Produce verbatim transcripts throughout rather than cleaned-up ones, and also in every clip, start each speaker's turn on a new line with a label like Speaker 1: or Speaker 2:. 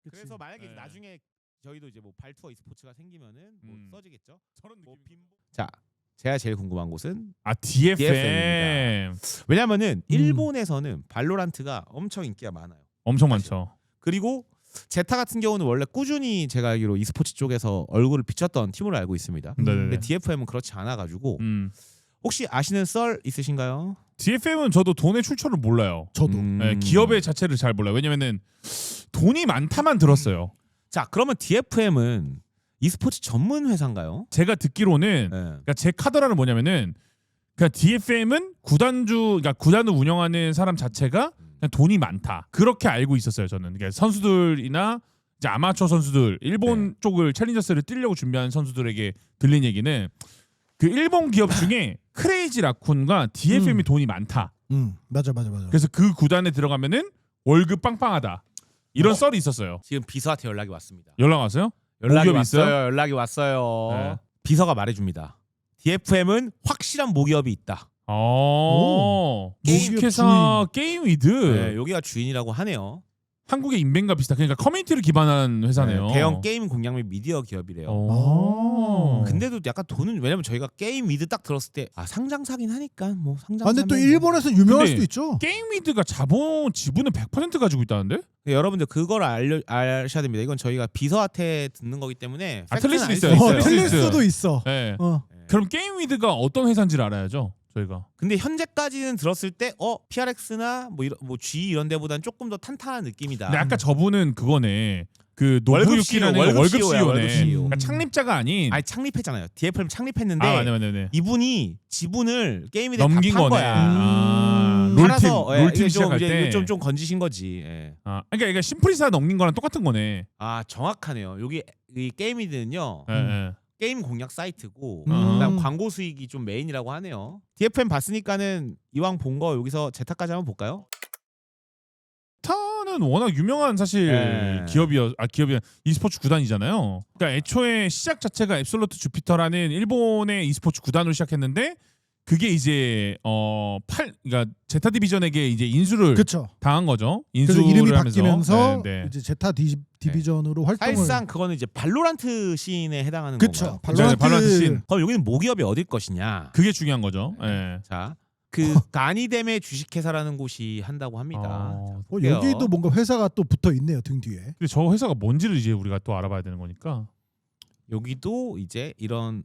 Speaker 1: 그치.
Speaker 2: 그래서 만약에
Speaker 3: 네.
Speaker 2: 나중에 저희도 이제 뭐 발투어 e스포츠가 생기면은 뭐
Speaker 3: 음.
Speaker 2: 써지겠죠.
Speaker 3: 저런
Speaker 2: 뭐
Speaker 3: 느낌.
Speaker 2: 자, 제가 제일 궁금한 곳은
Speaker 3: 아 디에프엠.
Speaker 2: 디에프엠입니다. 왜냐면은
Speaker 1: 음.
Speaker 2: 일본에서는 발로란트가 엄청 인기가 많아요.
Speaker 3: 엄청
Speaker 2: 사실.
Speaker 3: 많죠.
Speaker 2: 그리고 제타 같은 경우는 원래 꾸준히 제가 알기로 e스포츠 쪽에서 얼굴을 비쳤던 팀으로 알고 있습니다.
Speaker 1: 음.
Speaker 3: 네네네.
Speaker 2: 근데 디에프엠은 그렇지 않아가지고
Speaker 3: 음.
Speaker 2: 혹시 아시는 썰 있으신가요?
Speaker 3: 디에프엠은 저도 돈의 출처를 몰라요.
Speaker 1: 저도.
Speaker 2: 음.
Speaker 3: 네, 기업의 자체를 잘 몰라요. 왜냐면은 돈이 많다만 들었어요.
Speaker 2: 자, 그러면 디에프엠은 e스포츠 전문 회사인가요?
Speaker 3: 제가 듣기로는
Speaker 2: 네.
Speaker 3: 그러니까 제 카더라는 뭐냐면은 그러니까 디에프엠은 구단주 그러니까 구단을 운영하는 사람 자체가 그냥 돈이 많다. 그렇게 알고 있었어요, 저는. 그러니까 선수들이나 이제 아마추어 선수들, 일본
Speaker 2: 네.
Speaker 3: 쪽을 챌린저스를 뛰려고 준비하는 선수들에게 들린 얘기는 그 일본 기업 중에 크레이지 라쿤과 디에프엠이
Speaker 1: 음.
Speaker 3: 돈이 많다.
Speaker 1: 음 맞아 맞아 맞아.
Speaker 3: 그래서 그 구단에 들어가면은 월급 빵빵하다. 이런
Speaker 2: 어?
Speaker 3: 썰이 있었어요.
Speaker 2: 지금 비서한테 연락이 왔습니다.
Speaker 3: 연락 왔어요?
Speaker 2: 연락이
Speaker 3: 모기업이
Speaker 2: 왔어요.
Speaker 3: 있어요?
Speaker 2: 연락이 왔어요.
Speaker 3: 네.
Speaker 2: 비서가 말해줍니다. 디에프엠은 확실한 모기업이 있다.
Speaker 3: 어.
Speaker 1: 게임
Speaker 3: 주식회사 게임 위드.
Speaker 2: 네, 여기가 주인이라고 하네요.
Speaker 3: 한국의 인벤과 비슷한 그러니까 커뮤니티를 기반한 회사네요.
Speaker 2: 네, 대형 게임 공략 및 미디어 기업이래요.
Speaker 3: 어.
Speaker 2: 근데도 약간 돈은 왜냐면 저희가 게임 위드 딱 들었을 때 아 상장사긴 하니까 뭐 상장.
Speaker 1: 아 근데 또 일본에서 유명할
Speaker 3: 근데
Speaker 1: 수도 있죠.
Speaker 3: 게임 위드가 자본 지분을 백 퍼센트 가지고 있다는데?
Speaker 2: 여러분들 그걸 알려 아셔야 됩니다. 이건 저희가 비서한테 듣는 거기 때문에
Speaker 3: 아,
Speaker 2: 팩트는
Speaker 3: 틀릴 수
Speaker 2: 아닐
Speaker 3: 있어요.
Speaker 1: 어,
Speaker 3: 있어요.
Speaker 1: 틀릴
Speaker 3: 있어요.
Speaker 1: 수도 있어.
Speaker 3: 네.
Speaker 1: 어.
Speaker 2: 네.
Speaker 3: 그럼 게임 위드가 어떤 회사인지를 알아야죠. 저희가.
Speaker 2: 근데 현재까지는 들었을 때 어 피알엑스나 뭐 이런 뭐 G 이런 데보다는 조금 더 탄탄한 느낌이다.
Speaker 3: 근데 아까 저분은 그거네. 그
Speaker 2: 월급
Speaker 3: 노부유키라는
Speaker 2: 씨이오, 월급
Speaker 3: 월급
Speaker 2: 씨이오야,
Speaker 3: 씨이오네.
Speaker 2: 월급 씨이오.
Speaker 3: 그러니까 창립자가 아닌.
Speaker 2: 아니 창립했잖아요. 디에프엠 창립했는데
Speaker 3: 아, 맞네, 맞네, 맞네.
Speaker 2: 이분이 지분을 게임에
Speaker 3: 넘긴
Speaker 2: 다판
Speaker 3: 거네.
Speaker 2: 거야.
Speaker 3: 아,
Speaker 1: 음.
Speaker 3: 롤팀,
Speaker 2: 팔아서, 예,
Speaker 3: 롤팀
Speaker 2: 이게 좀
Speaker 3: 시작할
Speaker 2: 이제
Speaker 3: 때.
Speaker 2: 좀, 좀 건지신 거지. 예.
Speaker 3: 아, 그러니까 이게 심플리사 넘긴 거랑 똑같은 거네.
Speaker 2: 아 정확하네요. 여기 이 게임이드는요
Speaker 3: 예, 예.
Speaker 2: 게임 공략 사이트고
Speaker 3: 음.
Speaker 2: 그다음 광고 수익이 좀 메인이라고 하네요. 디에프엠 봤으니까는 이왕 본 거 여기서 제타까지 한번 볼까요?
Speaker 3: 타는 워낙 유명한 사실
Speaker 2: 네.
Speaker 3: 기업이어 아 기업이 e스포츠 구단이잖아요. 그러니까 애초에 시작 자체가 앱솔루트 주피터라는 일본의 e스포츠 구단으로 시작했는데 그게 이제 어 팔 그러니까 제타 디비전에게 이제 인수를
Speaker 1: 그렇죠.
Speaker 3: 당한 거죠.
Speaker 1: 그래서
Speaker 3: 인수를
Speaker 1: 이름이
Speaker 3: 하면서.
Speaker 1: 바뀌면서
Speaker 3: 네, 네.
Speaker 1: 이제 제타 디, 디비전으로 활동을.
Speaker 2: 사실상 그거는 이제 발로란트 시인에 해당하는
Speaker 1: 그쵸.
Speaker 2: 건가요?
Speaker 1: 발로란트,
Speaker 3: 발로란트 씬.
Speaker 2: 그럼 여기는 모기업이 어딜 것이냐?
Speaker 3: 그게 중요한 거죠. 예.
Speaker 2: 자, 그 가니뎀의 주식회사라는 곳이 한다고 합니다.
Speaker 3: 어,
Speaker 2: 자,
Speaker 1: 어,
Speaker 2: 볼게요.
Speaker 1: 여기도 뭔가 회사가 또 붙어 있네요 등 뒤에.
Speaker 3: 근데 저 회사가 뭔지를 이제 우리가 또 알아봐야 되는 거니까.
Speaker 2: 여기도 이제 이런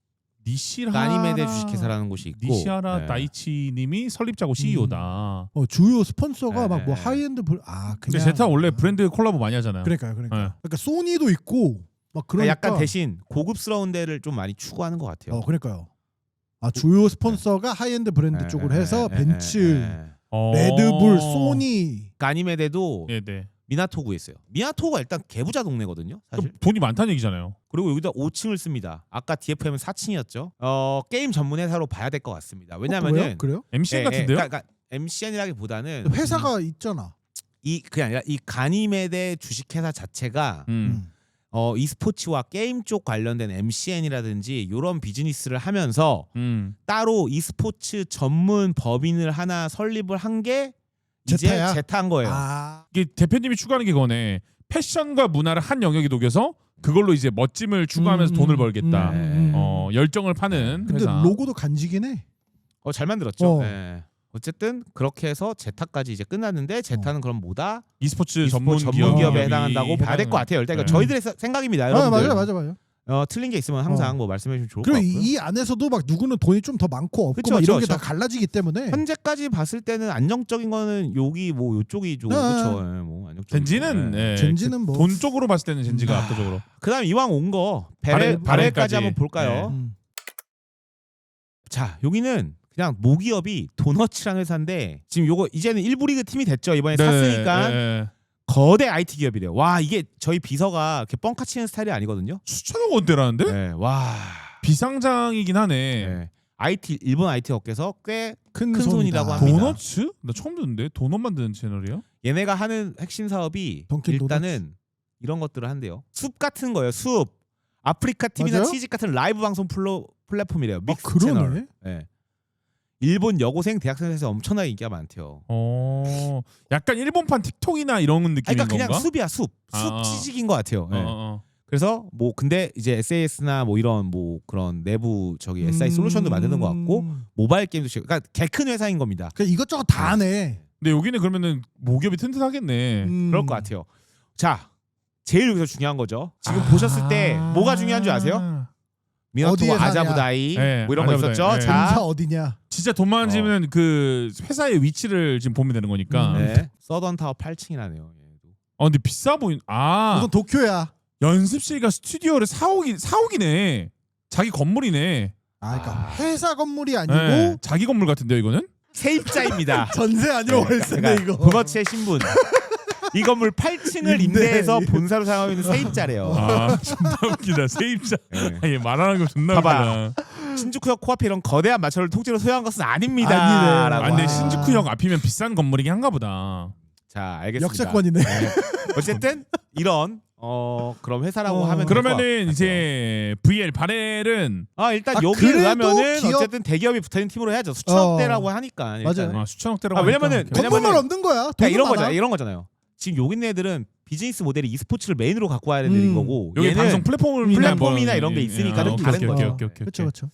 Speaker 3: 니시라
Speaker 2: 가니메데 주식회사라는 곳이 있고
Speaker 3: 니시하라
Speaker 2: 네.
Speaker 3: 다이치님이 설립자고 씨이오다.
Speaker 1: 어 주요 스폰서가
Speaker 2: 네,
Speaker 1: 막 뭐
Speaker 2: 네.
Speaker 1: 하이엔드 불... 아
Speaker 3: 근데
Speaker 1: 그냥.
Speaker 3: 제타 원래 브랜드 콜라보 많이 하잖아요.
Speaker 1: 그러니까요, 그러니까.
Speaker 3: 네.
Speaker 1: 그러니까 소니도 있고 막 그러니까.
Speaker 2: 약간 대신 고급스러운 데를 좀 많이 추구하는 것 같아요.
Speaker 1: 어 그러니까요. 아 주요 스폰서가 하이엔드 브랜드
Speaker 2: 네,
Speaker 1: 쪽으로
Speaker 2: 네,
Speaker 1: 해서
Speaker 2: 네,
Speaker 1: 벤츠,
Speaker 2: 네, 네.
Speaker 3: 어...
Speaker 1: 레드불, 소니.
Speaker 2: 가니메데도
Speaker 3: 네, 네.
Speaker 2: 미나토구에 있어요. 미나토구가 일단 개부자 동네거든요. 사실.
Speaker 3: 그럼 돈이 많다는 얘기잖아요.
Speaker 2: 그리고 여기다 오 층을 씁니다. 아까 디에프엠은 사 층이었죠. 어 게임 전문 회사로 봐야 될 것 같습니다.
Speaker 1: 어,
Speaker 2: 왜냐면은
Speaker 1: 그래요? 그래요?
Speaker 3: 엠씨엔
Speaker 2: 예, 예,
Speaker 3: 같은데요?
Speaker 2: 그러니까, 그러니까 엠씨엔이라기보다는
Speaker 1: 회사가 있잖아.
Speaker 2: 이 그게 아니라 이 가니메데 주식회사 자체가
Speaker 3: 음.
Speaker 1: 음.
Speaker 2: 어 e스포츠와 게임 쪽 관련된 엠씨엔이라든지 이런 비즈니스를 하면서
Speaker 3: 음.
Speaker 2: 따로 e스포츠 전문 법인을 하나 설립을 한 게 이제
Speaker 1: 제타야?
Speaker 2: 제타인 거예요.
Speaker 1: 아
Speaker 3: 이게 대표님이 추구하는 게 그거네. 패션과 문화를 한 영역에 녹여서 그걸로 이제 멋짐을 추구하면서
Speaker 1: 음,
Speaker 3: 돈을 벌겠다.
Speaker 1: 음, 음, 음.
Speaker 3: 어, 열정을 파는
Speaker 1: 근데
Speaker 3: 회사.
Speaker 1: 로고도 간지긴 해.
Speaker 2: 어, 잘 만들었죠.
Speaker 1: 어.
Speaker 2: 예. 어쨌든 그렇게 해서 제타까지 이제 끝났는데 제타는 그럼 뭐다?
Speaker 3: e스포츠
Speaker 2: e스포츠
Speaker 3: 전문,
Speaker 2: 전문
Speaker 3: 기업이
Speaker 2: 기업에 해당한다고 봐야 될 것 같아요. 일단 이거
Speaker 3: 네.
Speaker 2: 저희들의 사- 생각입니다.
Speaker 1: 아
Speaker 2: 여러분들.
Speaker 1: 맞아요, 맞아요, 맞아요.
Speaker 2: 어, 틀린 게 있으면 항상
Speaker 1: 어.
Speaker 2: 뭐 말씀해 주시면 좋을 것
Speaker 1: 그리고
Speaker 2: 같고요.
Speaker 1: 이, 이 안에서도 막 누구는 돈이 좀 더 많고 없고
Speaker 2: 그쵸,
Speaker 1: 막 이런
Speaker 2: 그쵸,
Speaker 1: 게 다
Speaker 2: 그쵸.
Speaker 1: 갈라지기 때문에.
Speaker 2: 현재까지 봤을 때는 안정적인 거는 여기 뭐 요쪽이 좀
Speaker 1: 네.
Speaker 2: 그렇죠. 예, 뭐 안정적인
Speaker 3: 젠지는
Speaker 2: 거.
Speaker 3: 예,
Speaker 1: 젠지는
Speaker 3: 그
Speaker 1: 뭐-
Speaker 3: 돈 쪽으로 봤을 때는 젠지가
Speaker 2: 아.
Speaker 3: 압도적으로.
Speaker 2: 그다음 이왕 온 거
Speaker 3: 바렐-
Speaker 2: 베렐
Speaker 3: 바렐까지.
Speaker 2: 바렐까지 한번 볼까요?
Speaker 3: 네.
Speaker 1: 음.
Speaker 2: 자 여기는 그냥 모기업이 도너츠라는 회사인데 지금 요거 이제는 일부 리그 팀이 됐죠. 이번에
Speaker 3: 네,
Speaker 2: 샀으니까
Speaker 3: 예.
Speaker 2: 거대 아이티 기업이래요. 와 이게 저희 비서가 이렇게 뻥카 치는 스타일이 아니거든요.
Speaker 3: 수천억 원대라는데?
Speaker 2: 네, 와
Speaker 3: 비상장이긴 하네.
Speaker 2: 네. 아이티 일본 아이티 업계에서 꽤
Speaker 1: 큰,
Speaker 2: 큰 손이라고
Speaker 1: 손이다.
Speaker 2: 합니다.
Speaker 3: 도너츠? 나 처음 듣는데 도넛 만드는 채널이에요?
Speaker 2: 얘네가 하는 핵심 사업이
Speaker 1: 던킨
Speaker 2: 일단은 이런 것들을 한대요. 숲 같은 거예요. 숲. 아프리카 티비나
Speaker 1: 맞아요?
Speaker 2: 치즈 같은 라이브 방송 플로, 플랫폼이래요.
Speaker 1: 아,
Speaker 2: 믹스
Speaker 1: 그러네.
Speaker 2: 채널. 네. 일본 여고생 대학생에서 엄청나게 인기가 많대요.
Speaker 3: 어, 약간 일본판 틱톡이나 이런 느낌인
Speaker 2: 아니, 그러니까 그냥
Speaker 3: 건가?
Speaker 2: 숲이야 숲. 숲
Speaker 3: 아.
Speaker 2: 취직인 것 같아요. 네.
Speaker 3: 어, 어.
Speaker 2: 그래서 뭐 근데 이제 에스에스나 뭐 이런 뭐 그런 내부 저기 에스아이 솔루션도 만드는 것 같고 모바일 게임도 치- 그러니까 개 큰 회사인 겁니다.
Speaker 1: 그 이것저것 다 하네.
Speaker 3: 근데 여기는 그러면은 모기업이 튼튼하겠네.
Speaker 1: 음.
Speaker 2: 그럴 것 같아요. 자, 제일 여기서 중요한 거죠. 지금
Speaker 3: 아.
Speaker 2: 보셨을 때 뭐가 중요한 줄 아세요? 미나토
Speaker 1: 어디에 사냐.
Speaker 2: 아자부다이
Speaker 3: 네,
Speaker 2: 뭐 이런 거
Speaker 3: 아자부다이.
Speaker 2: 있었죠.
Speaker 3: 네.
Speaker 2: 자,
Speaker 1: 본사 어디냐?
Speaker 3: 진짜 돈 많은 집은 그 회사의 위치를 지금 보면 되는 거니까.
Speaker 1: 음.
Speaker 2: 네. 서던 타워 팔 층이라네요.
Speaker 3: 어, 근데 비싸 보인. 아,
Speaker 1: 우선 도쿄야.
Speaker 3: 연습실과 스튜디오를 사옥이 사옥이네. 자기 건물이네.
Speaker 1: 아, 그러니까
Speaker 2: 아.
Speaker 1: 회사 건물이 아니고
Speaker 3: 네, 자기 건물 같은데요, 이거는?
Speaker 2: 세입자입니다.
Speaker 1: 전세 아니라 월세네
Speaker 2: 그러니까
Speaker 1: 이거.
Speaker 2: 부거치의 신분. 이 건물 팔 층을
Speaker 1: 임대.
Speaker 2: 임대해서 본사로 사용하고 있는 세입자래요.
Speaker 3: 아, 존나 웃기다. 세입자.
Speaker 2: 네.
Speaker 3: 아니, 말하는 거 존나
Speaker 2: 봐봐.
Speaker 3: 웃기다.
Speaker 2: 신주쿠역 코앞에 이런 거대한 마차를 통째로 소유한 것은 아닙니다.
Speaker 1: 아니네.
Speaker 2: 라고
Speaker 3: 아, 근데
Speaker 1: 와.
Speaker 3: 신주쿠역 앞이면 비싼 건물이긴 한가 보다.
Speaker 2: 자, 알겠습니다.
Speaker 1: 역세권이네.
Speaker 2: 네. 어쨌든 이런 어 그럼 회사라고
Speaker 1: 어.
Speaker 2: 하면
Speaker 3: 그러면은
Speaker 2: 될것 같아요.
Speaker 3: 이제 브이엘 바렐은
Speaker 2: 아 일단
Speaker 1: 아,
Speaker 2: 여기에
Speaker 1: 그래도
Speaker 2: 의하면은
Speaker 1: 기업-
Speaker 2: 어쨌든 대기업이 붙어있는 팀으로 해야죠. 수천억대라고 하니까. 일단은.
Speaker 1: 맞아요.
Speaker 3: 아, 수천억대라고
Speaker 2: 아, 왜냐면은-
Speaker 3: 하니까.
Speaker 2: 왜냐면은-
Speaker 1: 건물만 없는 거야.
Speaker 2: 그러니까
Speaker 1: 돈은
Speaker 2: 이런
Speaker 1: 많아.
Speaker 2: 거잖아요. 이런 거잖아요. 지금 여기 있는 애들은 비즈니스 모델이 e스포츠를 메인으로 갖고 와야 되는
Speaker 1: 음.
Speaker 2: 거고
Speaker 3: 여기
Speaker 2: 얘는
Speaker 3: 방송 플랫폼이나,
Speaker 2: 플랫폼이나
Speaker 3: 뭐-
Speaker 2: 이런 게 있으니까
Speaker 3: 아,
Speaker 2: 좀
Speaker 3: 오케이,
Speaker 2: 다른
Speaker 3: 오케이,
Speaker 2: 거죠.
Speaker 3: 오케이, 오케이, 오케이.
Speaker 1: 그렇죠, 그렇죠.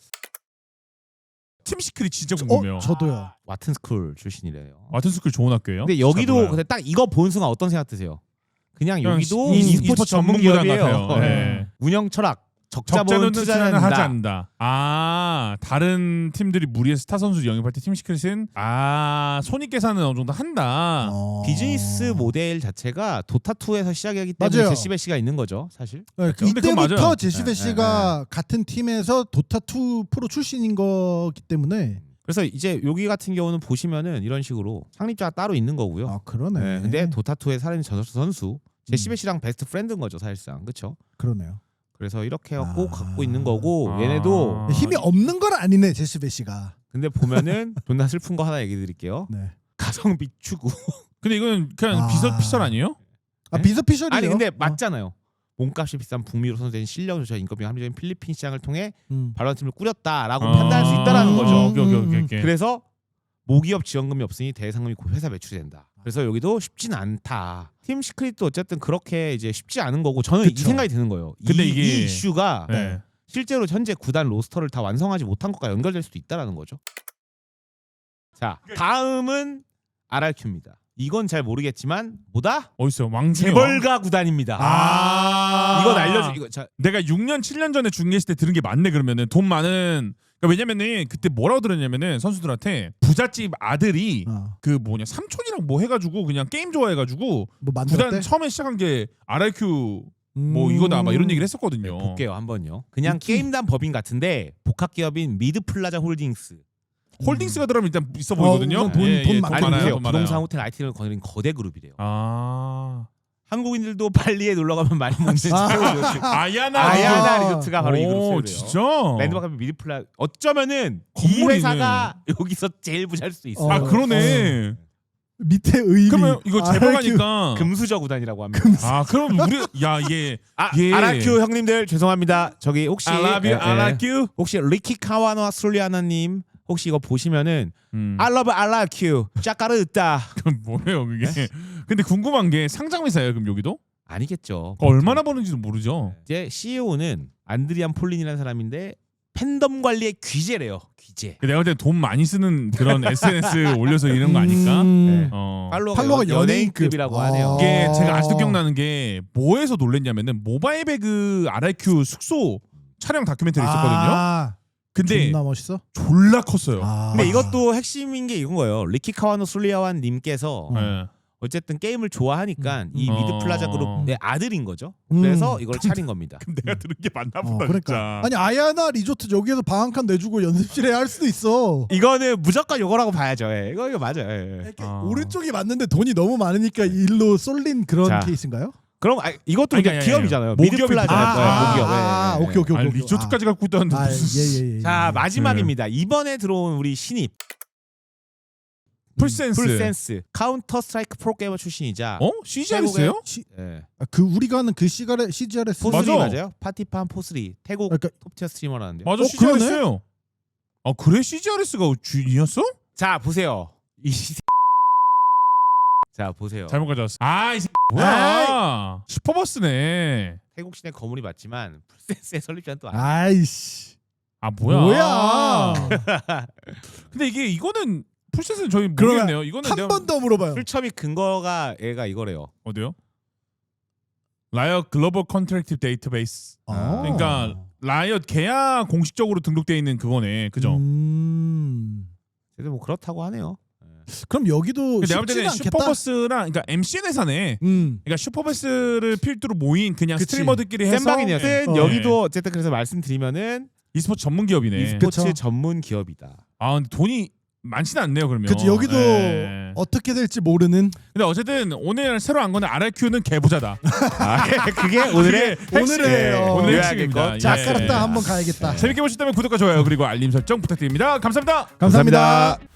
Speaker 3: 팀 시크릿 진짜 궁금해요.
Speaker 1: 어, 저도요.
Speaker 2: 와튼 스쿨 출신이래요.
Speaker 3: 와튼 스쿨 좋은 학교예요?
Speaker 2: 근데
Speaker 3: 잘
Speaker 2: 여기도
Speaker 3: 몰라요.
Speaker 2: 근데 딱 이거 본 순간 어떤 생각 드세요? 그냥
Speaker 3: 그냥
Speaker 2: 여기도
Speaker 3: 이-
Speaker 2: e스포츠
Speaker 3: e스포츠
Speaker 2: 전문
Speaker 3: 전문구단
Speaker 2: 기업이에요.
Speaker 3: 같아요.
Speaker 2: 네.
Speaker 3: 네.
Speaker 2: 운영 철학 적자
Speaker 3: 적자는
Speaker 2: 보는
Speaker 3: 투자는
Speaker 2: 투자는
Speaker 3: 하지
Speaker 2: 한다.
Speaker 3: 않는다. 아, 다른 팀들이 무리해서 스타 선수 영입할 때 팀 시크릿은 아, 손익 계산은 어느 정도 한다.
Speaker 1: 어.
Speaker 2: 비즈니스 모델 자체가 도타투에서 시작하기 때문에
Speaker 1: 맞아요.
Speaker 2: 제시베시가 있는 거죠, 사실.
Speaker 1: 네,
Speaker 2: 그렇죠?
Speaker 3: 근데 그건
Speaker 1: 이때부터
Speaker 3: 맞아요.
Speaker 1: 제시베
Speaker 2: 네,
Speaker 1: 씨가 같은 팀에서 도타투 프로 출신인 거기 때문에
Speaker 2: 그래서 이제 여기 같은 경우는 보시면은 이런 식으로 창립자가 따로 있는 거고요.
Speaker 1: 아 그러네.
Speaker 2: 네, 근데 도타투의 살인 전설수 선수
Speaker 1: 음.
Speaker 2: 제시베시랑 베스트 프렌드인 거죠, 사실상. 그렇죠?
Speaker 1: 그러네요.
Speaker 2: 그래서 이렇게 갖고
Speaker 1: 아.
Speaker 2: 갖고 있는 거고
Speaker 3: 아.
Speaker 2: 얘네도
Speaker 1: 힘이 없는 건 아니네 제시베 씨가.
Speaker 2: 근데 보면은 존나 슬픈 거 하나 얘기 드릴게요.
Speaker 1: 네.
Speaker 2: 가성비 추구.
Speaker 3: 근데 이건 그냥
Speaker 1: 아.
Speaker 3: 비서피셜 아니에요?
Speaker 1: 아
Speaker 2: 네?
Speaker 1: 비서피셜이에요.
Speaker 2: 아니 근데
Speaker 1: 어.
Speaker 2: 맞잖아요. 몸값이 비싼 북미로 선수된 실력 조차 인건비 합리적인 필리핀 시장을 통해
Speaker 1: 음.
Speaker 2: 발언팀을 꾸렸다라고
Speaker 3: 아.
Speaker 2: 판단할 수 있다라는 거죠.
Speaker 3: 오케이, 오케이, 오케이, 오케이.
Speaker 2: 그래서 모기업 지원금이 없으니 대상금이 곧 회사 매출이 된다. 그래서 여기도 쉽진 않다. 팀 시크릿도 어쨌든 그렇게 이제 쉽지 않은 거고 저는
Speaker 1: 그쵸.
Speaker 2: 이 생각이 드는 거예요.
Speaker 3: 근데
Speaker 2: 이,
Speaker 3: 이게-
Speaker 2: 이 이슈가
Speaker 3: 네.
Speaker 2: 실제로 현재 구단 로스터를 다 완성하지 못한 것과 연결될 수도 있다라는 거죠. 자, 다음은 알알큐입니다. 이건 잘 모르겠지만 뭐다?
Speaker 3: 어딨어요? 왕중의
Speaker 2: 재벌가 구단입니다.
Speaker 3: 아.
Speaker 2: 이건 알려줘. 이거 자,
Speaker 3: 내가 육 년, 칠 년 전에 중계했을 때 들은 게 맞네 그러면은 돈 많은 그러니까 왜냐면은 그때 뭐라고 들었냐면은 선수들한테 부잣집 아들이
Speaker 1: 어.
Speaker 3: 그 뭐냐 삼촌이랑 뭐 해가지고 그냥 게임 좋아해가지고
Speaker 1: 뭐 만들었대?
Speaker 3: 구단 처음에 시작한 게 알알큐
Speaker 1: 음.
Speaker 3: 뭐 이거다 막 이런 얘기를 했었거든요.
Speaker 2: 볼게요 한번요. 그냥
Speaker 1: 느낌.
Speaker 2: 게임단 법인 같은데 복합 기업인 미드플라자 홀딩스.
Speaker 3: 홀딩스가 들어가면 일단 있어 보이거든요.
Speaker 1: 우선 돈-
Speaker 3: 예,
Speaker 1: 돈
Speaker 3: 예,
Speaker 1: 많-
Speaker 2: 아니
Speaker 3: 많아요.
Speaker 2: 보세요.
Speaker 3: 돈 많아요.
Speaker 2: 부동산 호텔 아이티를 거느린 거대 그룹이래요.
Speaker 3: 아
Speaker 2: 한국인들도 발리에 놀러 가면 많이 먹는
Speaker 1: 아.
Speaker 2: 최고 리조트.
Speaker 3: 아야나
Speaker 2: 아야나
Speaker 1: 리조트.
Speaker 2: 리조트가 바로 이
Speaker 3: 오,
Speaker 2: 그룹이래요.
Speaker 3: 진짜?
Speaker 2: 랜드마크 미드플라 어쩌면은 이
Speaker 3: 건물이네.
Speaker 2: 회사가 여기서 제일 부자일 수도 있어.
Speaker 3: 아
Speaker 1: 어.
Speaker 3: 그러네.
Speaker 1: 밑에 의미.
Speaker 3: 그러면 이거
Speaker 1: 알알큐.
Speaker 3: 재벌가니까
Speaker 2: 금수저 구단이라고 합니다.
Speaker 3: 아 그럼 우리 야 이게
Speaker 2: 아,
Speaker 3: 예.
Speaker 2: 아라큐 형님들 죄송합니다. 저기 혹시
Speaker 3: I love you,
Speaker 2: 예,
Speaker 3: I
Speaker 2: 예.
Speaker 3: like you.
Speaker 2: 혹시 리키 카와노와 술리아나님 혹시 이거 보시면은
Speaker 3: 음.
Speaker 2: I love 아라큐 짜까르다
Speaker 3: 그럼 뭐예요 그게? 근데 궁금한 게 상장 회사예요 그럼 여기도?
Speaker 2: 아니겠죠.
Speaker 3: 그거 얼마나 버는지도 모르죠.
Speaker 2: 이제 씨이오는 안드리안 폴린이라는 사람인데 팬덤 관리의 귀재래요. 귀재.
Speaker 3: 내가 볼 때 돈 많이 쓰는 그런 에스엔에스 올려서 이런 거 아닐까?
Speaker 1: 음.
Speaker 2: 네.
Speaker 3: 어.
Speaker 2: 팔로워가,
Speaker 1: 팔로워가
Speaker 2: 연- 연예인급이라고
Speaker 1: 연예인급.
Speaker 2: 하네요.
Speaker 3: 이게
Speaker 1: 아.
Speaker 3: 제가 아직도 기억나는 게 뭐에서 놀랬냐면은 모바일 배그 알알큐 숙소 촬영 다큐멘터리 있었거든요.
Speaker 1: 아,
Speaker 3: 근데
Speaker 1: 존나 멋있어.
Speaker 3: 졸라 컸어요.
Speaker 1: 아.
Speaker 2: 근데 이것도 핵심인 게 이건 거예요. 리키 카와노 술리아완 님께서
Speaker 1: 어.
Speaker 3: 네.
Speaker 2: 어쨌든 게임을 좋아하니까 이
Speaker 3: 음.
Speaker 2: 미드플라자
Speaker 3: 어.
Speaker 2: 그룹의 아들인 거죠.
Speaker 1: 음.
Speaker 2: 그래서 이걸 차린 겁니다.
Speaker 3: 그럼 내가 들은 게 맞나
Speaker 1: 어,
Speaker 3: 보다
Speaker 1: 그러니까.
Speaker 3: 진짜.
Speaker 1: 아니 아야나 리조트 여기에서 방 한 칸 내주고 연습실에 할 수도 있어.
Speaker 2: 이거는 무조건 요거라고 봐야죠. 예. 이거 이거 맞아요. 예. 예.
Speaker 1: 이렇게
Speaker 3: 아.
Speaker 1: 오른쪽이 맞는데 돈이 너무 많으니까 일로 쏠린 그런
Speaker 2: 자.
Speaker 1: 케이스인가요?
Speaker 2: 그럼 아, 이것도
Speaker 3: 아니,
Speaker 2: 이제
Speaker 3: 아니, 아니,
Speaker 2: 기업이잖아요.
Speaker 3: 모기업이
Speaker 2: 미드플라자
Speaker 3: 아,
Speaker 2: 네,
Speaker 3: 아,
Speaker 2: 모기업. 예,
Speaker 1: 아,
Speaker 2: 예, 예.
Speaker 1: 오케이 오케이
Speaker 3: 아니
Speaker 1: 오케이.
Speaker 3: 리조트까지 갖고 있다는데
Speaker 1: 아,
Speaker 3: 무슨
Speaker 1: 예, 예, 예.
Speaker 2: 자
Speaker 1: 예.
Speaker 2: 마지막입니다. 이번에 들어온 우리 신입
Speaker 3: 풀센스.
Speaker 2: 풀센스 카운터 스트라이크 프로게이머 출신이자
Speaker 3: 어? 씨지알했어요?
Speaker 1: 시,
Speaker 2: 예.
Speaker 1: 아, 그 우리가 하는 그 시가레 씨지알에스
Speaker 2: 포스리
Speaker 3: 맞아.
Speaker 2: 맞아요? 파티판 포스리 태국
Speaker 1: 그러니까
Speaker 2: 톱티어 스트리머라는데.
Speaker 3: 맞아
Speaker 1: 어,
Speaker 3: 씨지알했어요. 아 그래 씨지알에스가 주인이었어?
Speaker 2: 자 보세요. 이 시... 자 보세요.
Speaker 3: 잘못 가져왔어. 아이 뭐야? 슈퍼버스네.
Speaker 2: 태국 시내 거물이 맞지만 풀센스의 설립자는 또 아니야.
Speaker 1: 아이씨.
Speaker 3: 아 뭐야?
Speaker 1: 뭐야?
Speaker 3: 근데 이게 이거는 풀셋은 저희
Speaker 1: 그러면
Speaker 3: 모르겠네요. 이거는
Speaker 1: 한
Speaker 3: 내가-
Speaker 1: 번 더 물어봐요.
Speaker 2: 출처비 근거가 얘가 이거래요.
Speaker 3: 어디요? 라이엇 글로벌 컨트랙티브 데이터베이스.
Speaker 1: 어.
Speaker 3: 그러니까 라이엇 계약 공식적으로 등록돼 있는 그거네. 그죠?
Speaker 1: 음.
Speaker 2: 그래도 뭐 그렇다고 하네요.
Speaker 1: 그럼 여기도
Speaker 3: 근데 내가 볼
Speaker 1: 쉽지가
Speaker 3: 때는
Speaker 1: 않겠다.
Speaker 3: 슈퍼버스랑 그러니까 엠씨엔 회사네.
Speaker 1: 음.
Speaker 3: 그러니까 슈퍼버스를 필두로 모인 그냥
Speaker 1: 그치.
Speaker 3: 스트리머들끼리 해서
Speaker 2: 센방이네요.
Speaker 3: 네.
Speaker 1: 어.
Speaker 2: 여기도 어쨌든 그래서 말씀드리면은
Speaker 3: e스포츠 전문 기업이네.
Speaker 2: e스포츠
Speaker 1: 그쵸.
Speaker 2: 전문 기업이다.
Speaker 3: 아 근데 돈이 많지는 않네요. 그러면.
Speaker 1: 그치 여기도
Speaker 3: 예.
Speaker 1: 어떻게 될지 모르는.
Speaker 3: 근데 어쨌든 오늘 새로 안 거는 알알큐는 개부자다.
Speaker 2: 아, 그게 오늘의
Speaker 1: 오늘의 어,
Speaker 3: 오늘
Speaker 2: 요약일
Speaker 3: 핵심입니다.
Speaker 2: 것.
Speaker 1: 자,
Speaker 3: 예.
Speaker 1: 까르따 한번 가야겠다.
Speaker 3: 재밌게 보셨다면 구독과 좋아요 그리고 알림 설정 부탁드립니다. 감사합니다.
Speaker 1: 감사합니다.